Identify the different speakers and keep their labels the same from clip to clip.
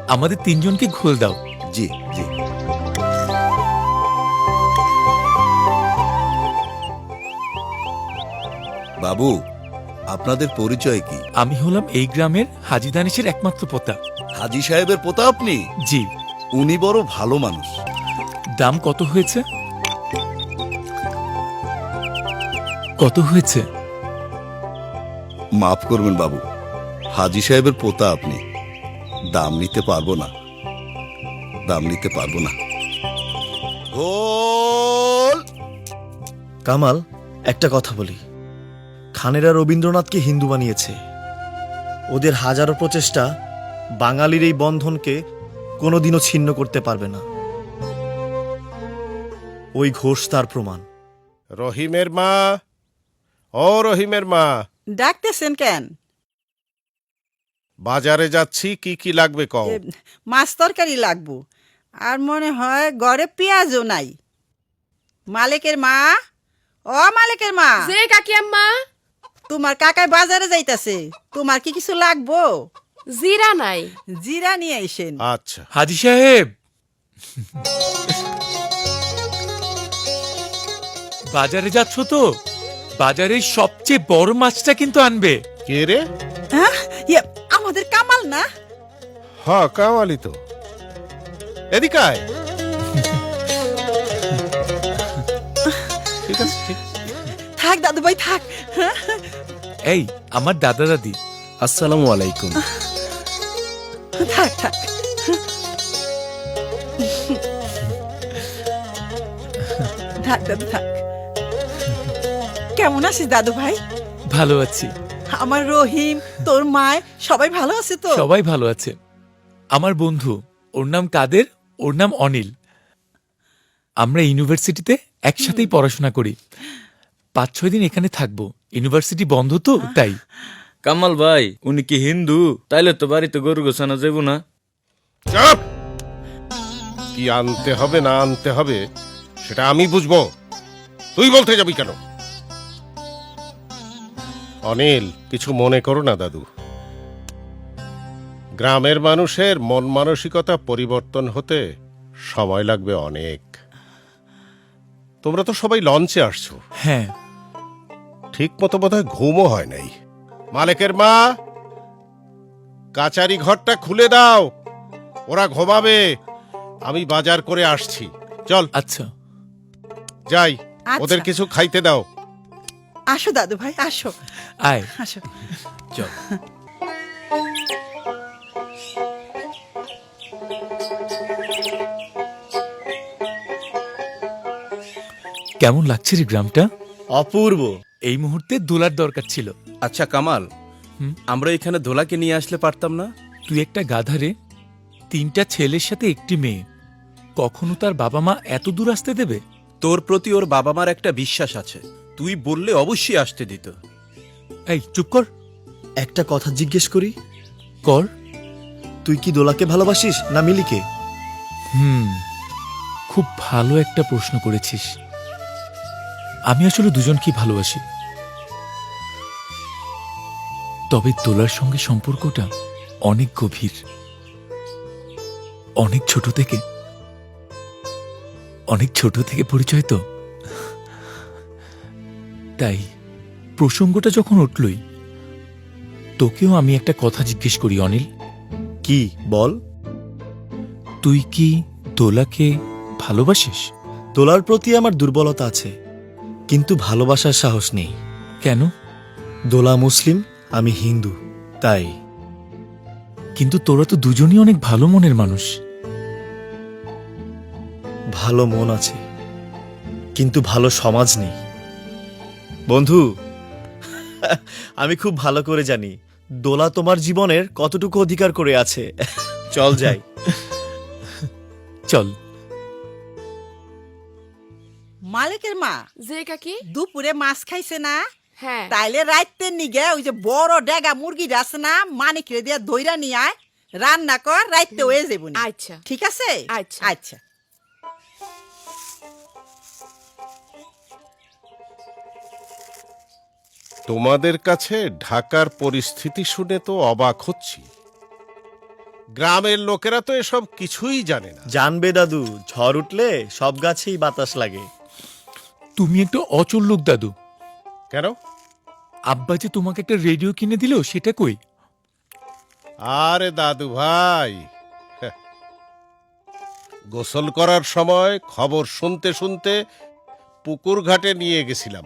Speaker 1: আমাদের তিনজনকে ঘোল দাও।
Speaker 2: জি জি। বাবু, আপনাদের পরিচয় কি?
Speaker 1: আমি হলাম এই গ্রামের হাজী দানিশের একমাত্র পোতা।
Speaker 2: হাজী সাহেবের পোতা আপনি?
Speaker 1: জি।
Speaker 2: উনি বড় ভালো মানুষ।
Speaker 1: দাম কত হয়েছে? কত হয়েছে?
Speaker 2: মাফ করবেন বাবু, হাজী সাহেবের পোতা আপনি, দাম নিতে পারবো না, দাম নিতে পারবো না। গোল!
Speaker 3: কামাল, একটা কথা বলি, খানেরা রবীন্দ্রনাথকে হিন্দু বানিয়েছে। ওদের হাজারো প্রচেষ্টা বাঙালির এই বন্ধনকে কোনোদিনও ছিন্ন করতে পারবে না। ওই ঘোষ তার প্রমাণ।
Speaker 4: রহিমের মা, ও রহিমের মা,
Speaker 5: ডাকতেছেন কেন?
Speaker 4: বাজারে যাচ্ছি, কি কি লাগবে কও।
Speaker 5: মাছ তরকারি লাগবো, আর মনে হয় ঘরে পেঁয়াজও নাই। মালিকের মা, ও মালিকের মা,
Speaker 6: যে কাকি আম্মা,
Speaker 5: তোমার কাকায় বাজারে যাইতাছে, তোমার কি কিছু লাগবো?
Speaker 6: জিরা নাই।
Speaker 5: জিরা নিয়ে আইসেন।
Speaker 4: আচ্ছা।
Speaker 1: হাজী সাহেব, বাজারে যাচ্ছ তো? বাজারের সবচেয়ে বড় মাছটা কিন্তু আনবে।
Speaker 4: কে রে?
Speaker 5: হ্যাঁ, আমাদের কামাল না?
Speaker 4: হ্যাঁ, কামালি তো। এদিকে আয়। ঠিক আছে, ঠিক আছে।
Speaker 5: থাক দাদু ভাই থাক।
Speaker 1: এই আমার দাদা দাদি।
Speaker 3: আসসালামু আলাইকুম।
Speaker 5: থাক থাক। থাক দাদু থাক। কেমন আছিস দাদু ভাই?
Speaker 1: ভালো আছি।
Speaker 5: আমার রহিম, তোর মায় সবাই ভালো আছে তো?
Speaker 1: সবাই ভালো আছে। আমার বন্ধু, ওর নাম কাদের, ওর নাম অনিল। আমরা ইউনিভার্সিটিতে একসাথেই পড়াশোনা করি। 5-6 দিন এখানে থাকবো, ইউনিভার্সিটি বন্ধ তো তাই।
Speaker 7: কামাল ভাই, উনি কি হিন্দু? তাইলে তো বাড়িতে গরু গোছানো যাব না।
Speaker 4: চুপ! কি আনতে হবে না আনতে হবে সেটা আমি বুঝবো, তুই বলতে যাবি কেন? অনিল, কিছু মনে করো না দাদু। গ্রামের মানুষের মন মানসিকতা পরিবর্তন হতে সময় লাগবে অনেক। তোমরা তো সবাই লঞ্চে আসছো,
Speaker 1: হ্যাঁ।
Speaker 4: ঠিক মতো বোধহয় ঘুমও হয় নাই। মালিকের মা, কাচারি ঘরটা খুলে দাও, ওরা ঘুমাবে। আমি বাজার করে আসছি। চল
Speaker 1: আচ্ছা।
Speaker 4: যাই,
Speaker 5: আচ্ছা।
Speaker 4: ওদের কিছু খাইতে দাও।
Speaker 5: আসো দাদু ভাই আসো
Speaker 1: আয়
Speaker 5: আসো।
Speaker 1: চল। কেমন লাগছে রে গ্রামটা?
Speaker 3: অপূর্ব।
Speaker 1: এই মুহূর্তে দোলার দরকার ছিল।
Speaker 8: আচ্ছা কামাল,
Speaker 1: হুম?
Speaker 8: আমরা এখানে দোলাকে নিয়ে আসলে পারতাম না?
Speaker 1: তুই একটা গাধারে, 3টা ছেলের সাথে একটি মেয়ে, কখনো তার বাবা মা এত দূর আসতে দেবে?
Speaker 8: তোর প্রতি ওর বাবা মার একটা বিশ্বাস আছে, তুই বললে অবশ্যই আসতে দিত।
Speaker 1: এই চুপ কর।
Speaker 3: একটা কথা জিজ্ঞেস করি,
Speaker 1: কর।
Speaker 3: তুই কি দোলাকে ভালোবাসিস না মিলিকে?
Speaker 1: খুব ভালো একটা প্রশ্ন করেছিস। আমি আসলে দুজনকেই ভালোবাসি, তবে দোলার সঙ্গে সম্পর্কটা অনেক গভীর, অনেক ছোট থেকে পরিচয় তো, তাই প্রসঙ্গটা যখন উঠলই তোকেও আমি একটা কথা জিজ্ঞেস করি অনিল।
Speaker 3: কি বল?
Speaker 1: তুই কি দোলাকে ভালোবাসিস?
Speaker 3: দোলার প্রতি আমার দুর্বলতা আছে, কিন্তু ভালোবাসার সাহস নেই।
Speaker 1: কেন?
Speaker 3: দোলা মুসলিম, আমি হিন্দু, তাই।
Speaker 1: কিন্তু তোরা তো দুজনই অনেক ভালো মনের মানুষ।
Speaker 3: ভালো মন আছে, কিন্তু ভালো সমাজ নেই। বন্ধু, আমি খুব ভালো করে জানি দোলা তোমার জীবনের কতটুকু অধিকার করে আছে। চল যাই।
Speaker 1: চল।
Speaker 5: মালিকের মা,
Speaker 6: যে কাকি,
Speaker 5: দুপুরে মাছ খাইছে না?
Speaker 6: হ্যাঁ।
Speaker 5: তাইলে রাইতে নিগে ওই যে বড় ডেগা মুরগিটা আছে না, মানিকরে দিয়া দইরা নিয়ে আয়, রান্না কর, রাইতে হয়ে যাবো।
Speaker 6: আচ্ছা
Speaker 5: ঠিক আছে?
Speaker 6: আচ্ছা।
Speaker 5: আচ্ছা।
Speaker 4: তোমাদের কাছে ঢাকার পরিস্থিতি শুনে তো অবাক হচ্ছি। গ্রামের লোকেরা তো এসব কিছুই জানে না।
Speaker 3: জানবে দাদু, ঝড় উঠলে সব গাছেই বাতাস লাগে।
Speaker 1: তুমি একটা অচল লোক দাদু।
Speaker 4: কেন?
Speaker 1: আব্বা যে তোমাকে একটা রেডিও কিনে দিল সেটা কই?
Speaker 4: আরে দাদু ভাই, হ্যাঁ, গোসল করার সময় খবর শুনতে শুনতে পুকুর ঘাটে নিয়ে গেছিলাম।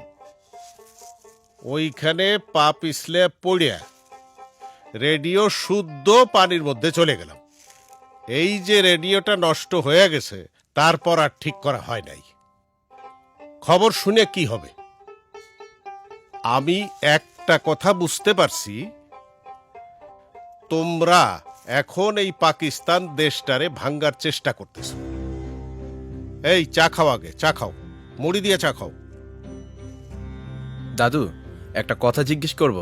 Speaker 4: ওইখানে পা পিছলে পড়িয়া রেডিও শুদ্ধ পানির মধ্যে চলে গেলাম। এই যে রেডিওটা নষ্ট হয়ে গেছে, তারপর আর ঠিক করা হয় নাই। খবর শুনে কি হবে? আমি একটা কথা বুঝতে পারছি, তোমরা এখন এই পাকিস্তান দেশটারে ভাঙ্গার চেষ্টা করতেছ। এই চা খাও, আগে চা খাও, মুড়ি দিয়ে চা খাও।
Speaker 8: দাদু, একটা কথা জিজ্ঞেস করব।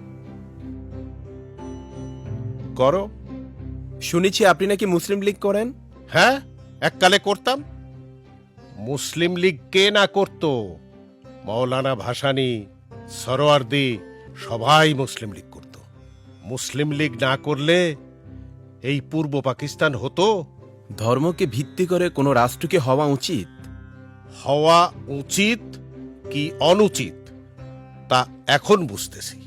Speaker 4: করো।
Speaker 8: শুনেছি আপনি নাকি মুসলিম লীগ করেন।
Speaker 4: হ্যাঁ, এককালে করতাম। মুসলিম লীগ কে না করত? মৌলানা ভাসানী, সরোয়ার্দী সবাই মুসলিম লীগ করত। মুসলিম লীগ না করলে এই পূর্ব পাকিস্তান হতো?
Speaker 8: ধর্মকে ভিত্তি করে কোনো রাষ্ট্রকে হওয়া উচিত।
Speaker 4: হওয়া উচিত কি অনুচিত তা এখন বুঝতেছি।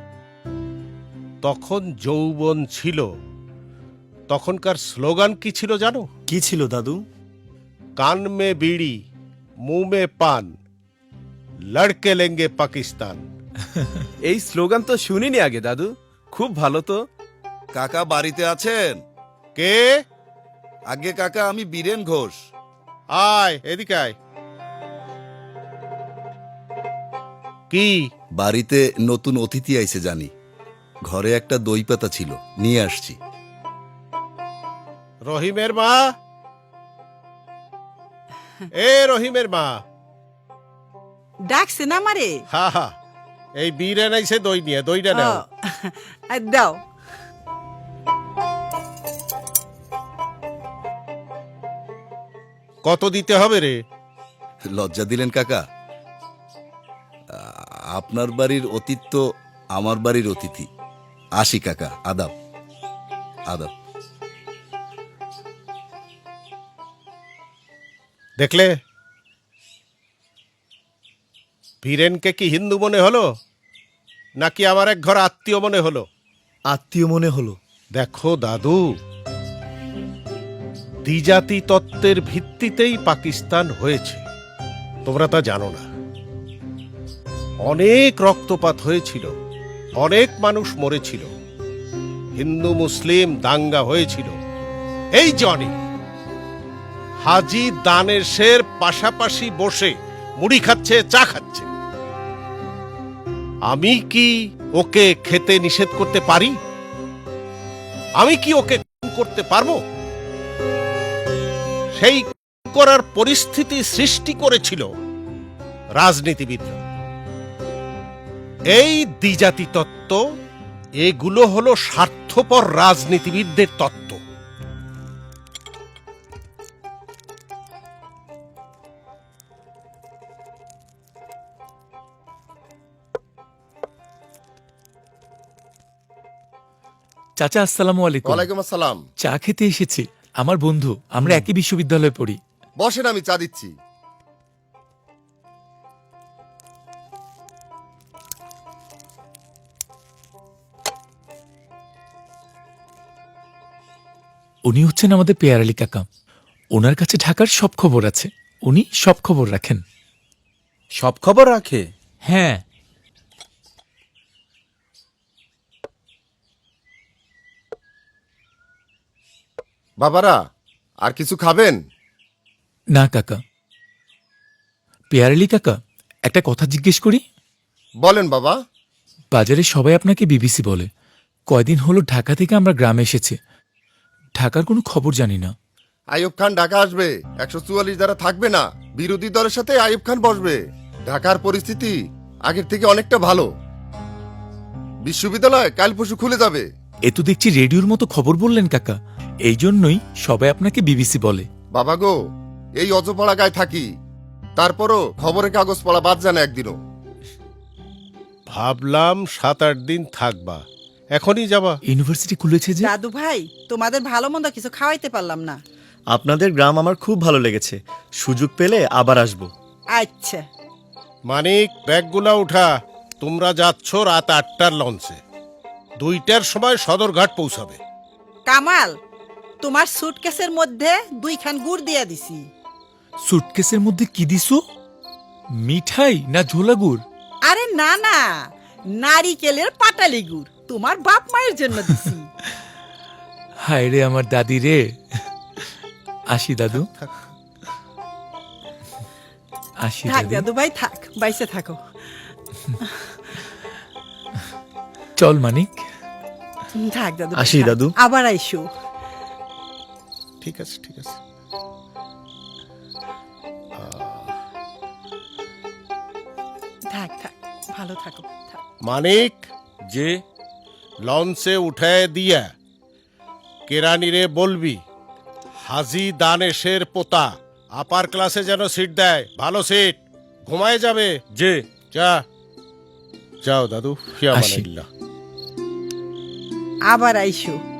Speaker 4: তখন যৌবন ছিল, তখনকার স্লোগান কি ছিল জানো?
Speaker 3: কি ছিল দাদু?
Speaker 4: কান মে বিড়ি, মুঁ মে পান, লড়কে লেঙ্গে পাকিস্তান।
Speaker 8: এই স্লোগান তো শুনিনি আগে দাদু, খুব ভালো তো।
Speaker 2: কাকা বাড়িতে আছেন?
Speaker 4: কে?
Speaker 2: আগে কাকা, আমি বীরেন ঘোষ।
Speaker 4: আয় এদিকে আয়। কি?
Speaker 2: বাড়িতে নতুন অতিথি আইছে জানি। ঘরে একটা দই পাতা ছিল, নিয়ে আসছি।
Speaker 4: রহিমের মা, এ রহিমের মা।
Speaker 5: ডাকছে না মারে?
Speaker 4: হা হা, এই বীরে নাইছে দই নিয়ে, দইটা নাও।
Speaker 5: দাও।
Speaker 4: কত দিতে হবে রে?
Speaker 2: লজ্জা দিলেন কাকা। আপনার বাড়ির অতিথি তো আমার বাড়ির অতিথি। আসি কাকা, আদাব আদাব।
Speaker 4: দেখলে, বীরেনকে কি হিন্দু মনে হলো নাকি আমার এক ঘর আত্মীয় মনে হলো?
Speaker 3: আত্মীয় মনে হলো।
Speaker 4: দেখো দাদু, দ্বিজাতি তত্ত্বের ভিত্তিতেই পাকিস্তান হয়েছে, তোমরা তা জানো না। অনেক রক্তপাত হয়েছিল, অনেক মানুষ মরেছিল, হিন্দু মুসলিম দাঙ্গা হয়েছিল। এই জনি হাজি দানেশের পাশাপাশি বসে মুড়ি খাচ্ছে, চা খাচ্ছে। আমি কি ওকে খেতে নিষেধ করতে পারি? আমি কি ওকে করতে পারবো? সেই করার পরিস্থিতি সৃষ্টি করেছিল রাজনীতিবিদরা। এই দ্বিজাতি তত্ত্ব, এগুলো হলো স্বার্থপর রাজনীতিবিদদের তত্ত্ব।
Speaker 1: চাচা আসসালামু আলাইকুম।
Speaker 9: ওয়ালাইকুম আসসালাম।
Speaker 1: চা খেতে এসেছি। আমার বন্ধু, আমরা একই বিশ্ববিদ্যালয়ে পড়ি।
Speaker 9: বসেন, আমি চা দিচ্ছি।
Speaker 1: উনি হচ্ছেন আমাদের পেয়ার আলী কাকা। ওনার কাছে ঢাকার সব খবর আছে, উনি সব খবর রাখেন।
Speaker 8: সব খবর রাখে?
Speaker 1: হ্যাঁ।
Speaker 9: বাবারা, আর কিছু খাবেন?
Speaker 1: না কাকা। পেয়ার আলী কাকা, একটা কথা জিজ্ঞেস করি?
Speaker 9: বলেন বাবা।
Speaker 1: বাজারে সবাই আপনাকে বিবিসি বলে। কয়দিন হলো ঢাকা থেকে আমরা গ্রামে এসেছি, ঢাকার কোনো খবর জানি না।
Speaker 9: আইয়ুব খান ঢাকা আসবে, 144 দ্বারা থাকবে না, বিরোধী দলের সাথে আইয়ুব খান বসবে। ঢাকার পরিস্থিতি আগের থেকে অনেকটা ভালো। বিশ্ববিদ্যালয় কাল পরশু খুলে যাবে।
Speaker 1: এ তো দেখছি রেডিওর মতো খবর বললেন কাকা। এই জন্যই সবাই আপনাকে বিবিসি বলে।
Speaker 9: বাবা গো, এই অজপাড়া গায়ে থাকি, তারপরও খবরের কাগজ পড়া বাদ জানা একদিনও।
Speaker 4: ভাবলাম 7-8 দিন থাকবা, এখনই যাবা?
Speaker 1: ইউনিভার্সিটি খুলেছে যে।
Speaker 5: দাদু ভাই তোমাদের ভালো মন্দ কিছু খাওয়াইতে পারলাম না।
Speaker 3: আপনাদের গ্রাম আমার খুব ভালো লেগেছে, সুযোগ পেলে আবার আসবো।
Speaker 5: আচ্ছা
Speaker 4: মানিক, ব্যাগগুলা উঠা। তোমরা যাচ্ছ রাত 8টার লঞ্চে, 2টার সময় সদরঘাট পৌঁছাবে।
Speaker 5: কামাল, তোমার সুটকেসের মধ্যে 2খান গুড় দিয়া দিছি।
Speaker 1: সুটকেসের মধ্যে কি দিছো? মিঠাই না ঝোলা গুড়?
Speaker 5: আরে না না, নারিকেলের পাটালি গুড় তোমার বাপ মায়ের জন্য দিছি।
Speaker 1: হায় রে আমার দাদি রে। আসি দাদু, আসি
Speaker 5: থাক
Speaker 1: দাদি।
Speaker 5: দাদু ভাই থাক, বাইসে থাকো।
Speaker 1: চল মানিক।
Speaker 5: থাক দাদু ভাই,
Speaker 3: আসি
Speaker 5: থাক।
Speaker 3: দাদু।
Speaker 5: আবার আইসো।
Speaker 4: ঠিক আছে, ঠিক আছে।
Speaker 5: থাক থাক, ভালো থাকো থাক।
Speaker 4: মানিক,
Speaker 7: যে
Speaker 4: লঞ্চে উঠায় দিয়া কেরানিরে বলবি হাজি দানেশের পোতা আপার ক্লাসে যেন সিট দেয়, ভালো সিট, ঘুমায় যাবে।
Speaker 7: যে
Speaker 4: যা, যাও দাদু, ফিয়া
Speaker 1: আসি।
Speaker 4: মানিল্লাহ।
Speaker 5: আবার আইসো।